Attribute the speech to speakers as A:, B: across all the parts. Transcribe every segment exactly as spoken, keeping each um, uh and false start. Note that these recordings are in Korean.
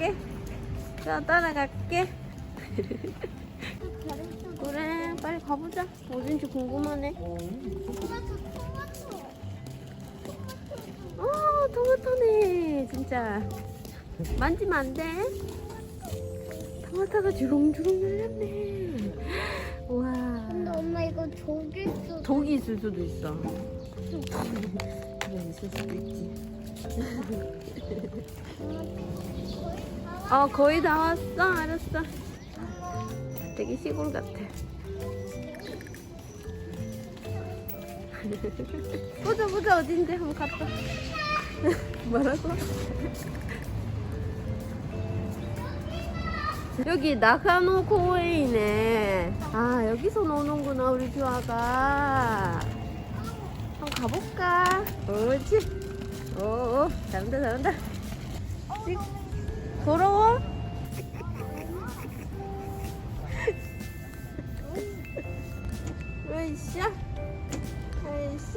A: 따라갈게. 자, 따라갈게. 그래, 빨리 가보자. 어딘지 궁금하네. 어, 토마토네. 진짜. 만지면 안 돼. 토마토가 주렁주렁 열렸네. 우와.
B: 근데 엄마 이거 독일 수
A: 독이 있을 수도 있어. 그래, 있을 수도 있지. 어, 거의 다 왔어. 알았어. 되게 시골 같아. 보자, 보자. 어딘데? 한번 갔다. 뭐라고? 여기 나카노 공원이네. 아, 여기서 노는구나, 우리 주아가. 한번 가볼까? 옳지. 오, 잘한다, 잘한다. 찍. 더러워? 으이샤. 으이샤.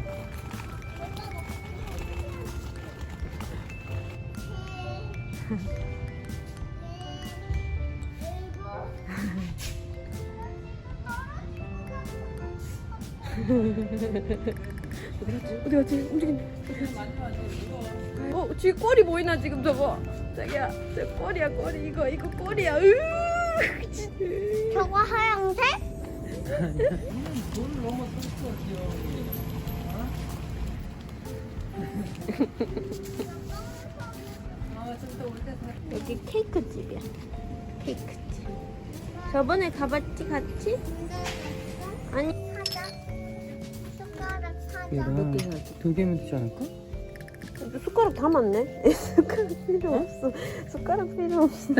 A: 어디 갔지? 어디 갔지? 움직인다. 어, 쥐 꼬리 보이나 지금 저거? 자기야, 저 꼬리야 꼬리. 이거 이거 꼬리야. 으.
B: 저거 하얀색?
A: 여기 케이크 집이야. 케이크 집. 저번에 가봤지 같이? 아니.
B: 사자. 숟가락 사자.
C: 얘가
A: 몇 개 사지?
C: 두 개면 되지 않을까?
A: 숟가락 다 많네. 숟가락 필요 없어. 숟가락 필요 없어.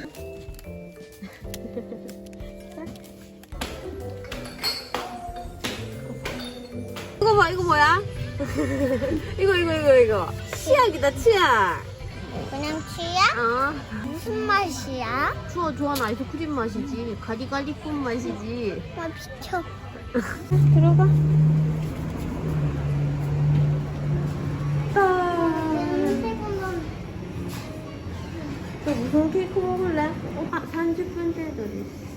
A: 이거 봐, 이거 뭐야? 이거 이거 이거 이거 치약이다, 치약.
B: 그냥 치약?
A: 어.
B: 무슨 맛이야?
A: 추워 좋아하는 아이스크림 맛이지. 가리가리꿈 맛이지.
B: 나 비켜.
A: 들어가. 또 무슨 케이크 먹을래? 어, 아, 삼십 분째도 있어.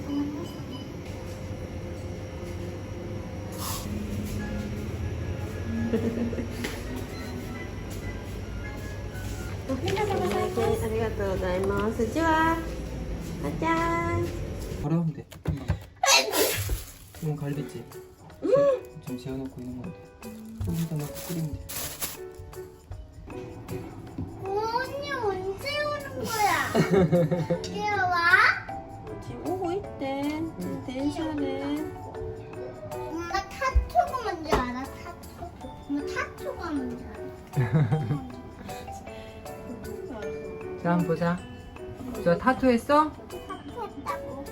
A: 아리가또 고자이마스. 좋아. 가자.
C: 바로 하면 돼. 이건 갈비찜. 좀 재워놓고 있는 건데. 소금에다 넣고 끓이면 돼.
B: 언니 언제 오는 거야? 귀여워?
A: 지금 오고 있대.電車네.
B: 엄마 타투가 뭔지 알아? 타투. 엄마 타투가 뭔지 알아?
C: 자, 한번 보자. 저 타투 했어?
B: 타투 했다고.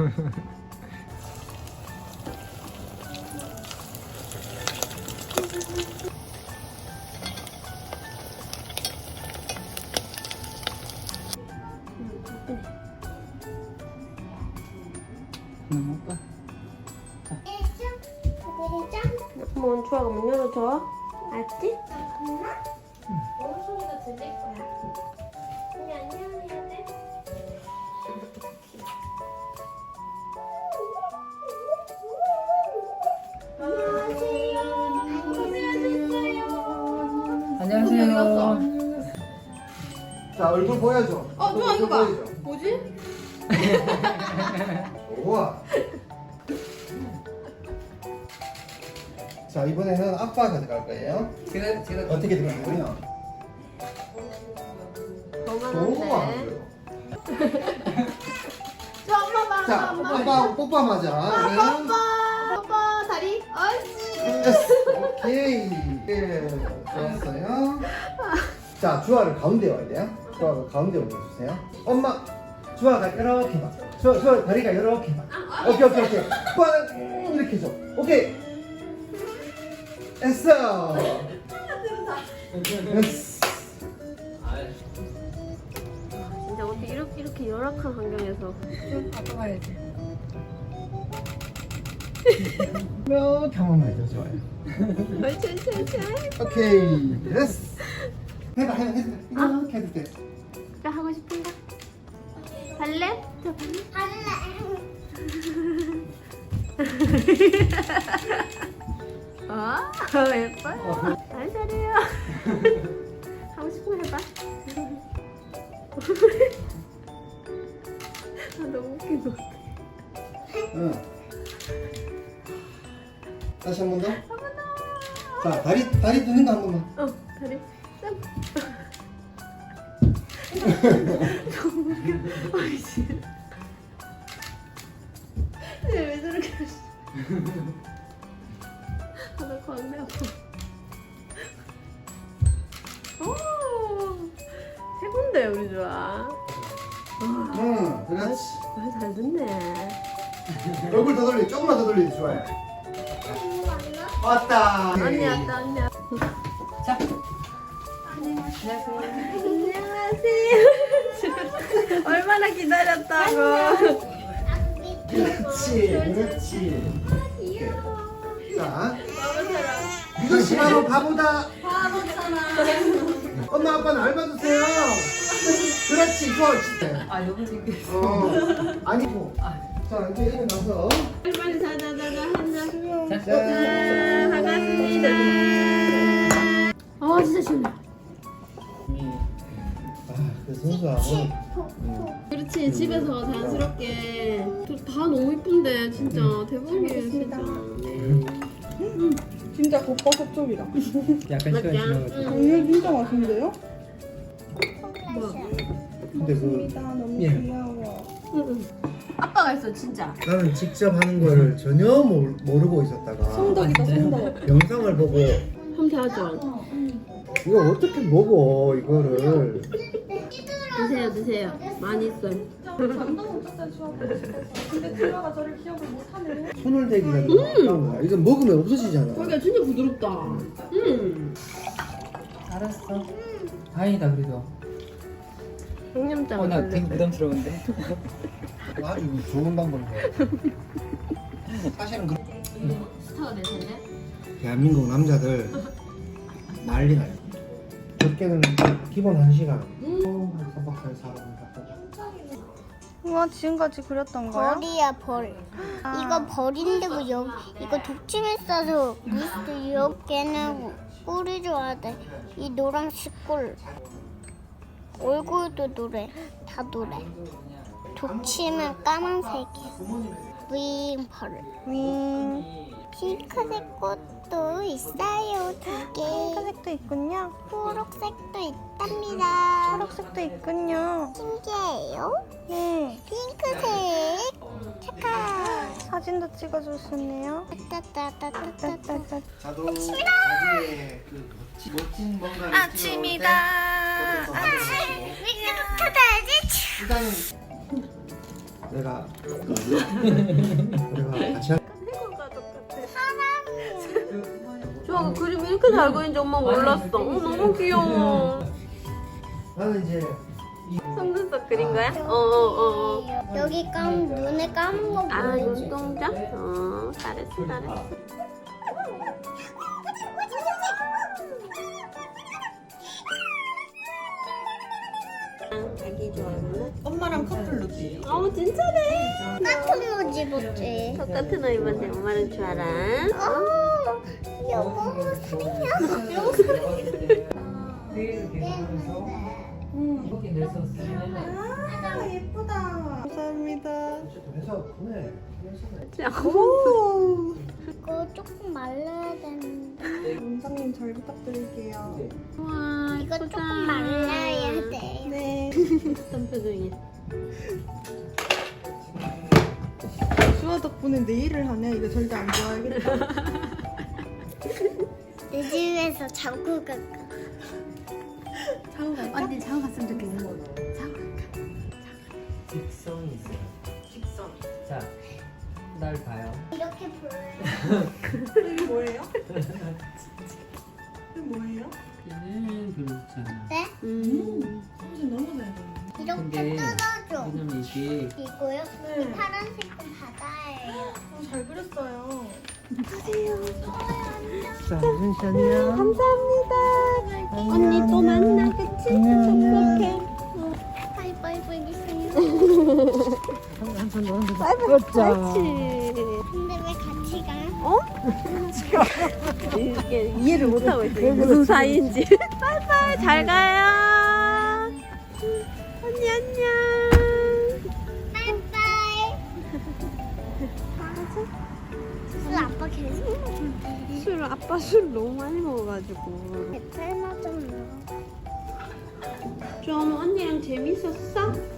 C: 응, 오빠.
B: 일점, 일점.
A: 한번 주아가 문 열어줘. 알았지?
B: 엄마?
A: 뭔 소리가 들릴 거야.
B: 언니 안녕해야 돼.
C: 안녕하세요.
D: 자, 얼굴 보여줘.
A: 어, 좋아,
D: 얼굴
A: 이거 봐.
D: 보여줘.
A: 뭐지?
D: 우와. 자, 이번에는 아빠가 들어갈 거예요.
C: 제가 제가
D: 어떻게 들어가냐면 너무 안
A: 너무한데.
D: 보여.
A: 저 엄마 봐,
D: 자,
A: 엄마, 엄마.
D: 아빠 뽀뽀하자. 우리는
A: 뽀뽀, 뽀뽀, 다리. 옳지.
D: 됐어. 오케이. 예, 좋았어요. 자, 주아를 가운데 와야 돼요. 주아가 가운데 올려주세요. 엄마, 주아가 이렇게 봐. 주아, 주아 다리가 이렇게 봐. 오케이, 오케이, 오케이. 주아는 이렇게 줘. 오케이. 됐어. 됐어.
A: 진짜 어떻게 이렇게 이렇게 열악한 환경에서.
C: 아빠 가야지.
D: 이렇게 한 번만 해줘. 좋아요.
A: 옳지, 옳지, 옳지.
D: 오케이. 됐어. 해봐, 해봐, 해봐. 이렇게 해도 돼.
A: 나 하고 싶어. 싶은가? 발레? 저 발레. 아, 예뻐요. 잘 잘해요. 하고 싶은 거 해봐. 아, 너무 웃긴 것 같아.
D: 응. 다시 한 번 더.
A: 한 번 더.
D: 자, 다리 다리 드는 거 한 번만.
A: 어, 다리. 짠. 너무 웃겨. 아이, 진짜. 왜 저렇게 하시? 아, 나 광대 아파. 오, 최고인데 우리 좋아.
D: 응, 그렇지.
A: 말 잘 듣네.
D: 얼굴 더 돌리, 조금만 더 돌리지 좋아요. 왔다.
A: 언니 왔다, 언니 왔다.
C: 자.
A: 안녕하세요. 얼마나 기다렸다고.
D: 그렇지, 그렇지.
A: 귀여워.
D: 자,
A: 바보처럼.
D: 이거 시바로 바보다.
A: 바보처럼.
D: 엄마 아빠는 알바주세요. 그렇지, 좋아, 진짜.
C: 아 여기 생겼어.
D: 어, 아니고. 자, 이제 일어나서.
A: 빨리 자자자자 한잔.
C: 자.
A: 짠, 반갑습니다. 아, 진짜 시원해.
D: 아, 그 선수하고.
A: 그렇지, 집에서 자연스럽게. 다 너무 이쁜데, 진짜. 대박이에요, 진짜. 네.
E: 진짜 겉바속 쪽이다.
C: 약간 시간이 지나가지고.
E: 이거 진짜 맛있는데요?
D: 근데 그
E: 맞습니다. 너무
C: 예.
E: 귀여워.
A: 응, 응. 아빠가 했어, 진짜.
D: 나는 직접 하는 거를 전혀 모르, 모르고 있었다가
E: 성덕이다, 성덕.
D: 영상을 보고
A: 함께 하죠.
D: 이거 어떻게 먹어 이거를.
A: 드세요, 드세요. 많이 있어요.
E: 감동 없었어요, 주아가. 근데 주아가 저를 기억을 못하네.
D: 손을 대기가 너무 아까운 거야. 이거 먹으면 없어지잖아.
A: 거기가 진짜 부드럽다. 음.
C: 알았어. 다행이다 그래도.
A: 양념장.
C: 어나 되게 부담스러운데.
D: 아주 좋은 방법인 거야. 사실은 그
A: 스타가 될 텐데.
D: 대한민국 남자들 난리 나요. 적게는 기본 한 시간. 음. 한 삼 박 사 일 살아보면
E: 우와, 지금까지 그렸던 거야?
B: 벌이야 벌. 이거 벌인데 뭐 여기 이거 독침을 싸서 무슨 여기는 꿀이 좋아야 돼. 이 노란색 꿀. 얼굴도 노래. 다 노래. 독침은 까만색이야. 윙 벌.
E: 윙.
B: 핑크색 꽃도 있어요. 두 개.
E: 핑크색도 있군요.
B: 초록색도 있답니다.
E: 초록색도 있군요.
B: 신기해요.
E: 예.
B: 핑크색. 착각.
E: 사진도 찍어주셨네요.
B: 따따따따따따.
E: 따따따.
D: 자도 자기의 그 멋진, 멋진 뭔가를
E: 아침이다.
B: 윙크다지.
D: 일단은 내가 내가 다시 할.
A: 좋아, 그 그림 이렇게 잘 그린지 엄마 몰랐어. 어, 너무 귀여워.
D: 나는 이제
A: 속눈썹 그린 거야? 어, 어, 어. 어.
B: 여기 감 눈에 감은 거
A: 아,
B: 보여줘.
A: 눈동자? 어, 잘했어, 잘했어. 자기 좋아하는?
E: 엄마랑 커플 룩이에요.
A: 어, 진짜네.
B: 같은 옷 입었지.
A: 똑같은 옷 입었네. 엄마는 좋아라.
B: 어, 여보 사랑해.
E: 여보 사랑해.
C: 내일 계속해서 이렇게 냈었으면
E: 아, 예쁘다. 감사합니다.
D: 해서 보내.
E: 오.
B: 이거 조금 말라야 되는데.
E: 원장님 잘 부탁드릴게요.
A: 와,
B: 이거
A: 예쁘다.
B: 조금 말라야 돼.
E: 네.
A: 어떤 표정이야?
E: 주아 덕분에 네일을 하네. 이거 절대 안 좋아하겠다.
B: 내 집에서 자고 갈까?
E: 자고 갈까?
A: 언니 자고 갔으면 좋겠어. 자고 갈까?
C: 직선이 있어요.
A: 직선.
C: 자, 날 봐요.
B: 이렇게 볼래?
E: 이게 뭐예요? 이게 뭐예요?
C: 얘는 그렇잖아.
B: 네?
A: 음.
E: 사진 너무 잘 그리네.
B: 이렇게
C: 근데
B: 뜯어줘.
C: 왜냐면 이게
B: 이거요?
E: 네.
B: 이 파란색은 바다예요.
E: 어, 잘 그렸어요.
D: 자, 은씨 안녕.
A: 감사합니다. 언니 또 만나, 그치?
D: 안녕, 안녕.
A: 행복해.
B: 하이파이브. 빠이빠이 해주세요.
A: 그렇죠.
B: 근데 왜 같이 가?
A: 어? 이게 이해를 못하고 있어요. 무슨 사이인지. 빠이빠이 잘 가요. 언니 안녕.
B: 빠이빠이. 술 아빠 계속 먹는데.
A: 술 아빠 술 너무 많이 먹어가지고.
B: 배탈 맞았나?
A: 좀 언니랑 재밌었어?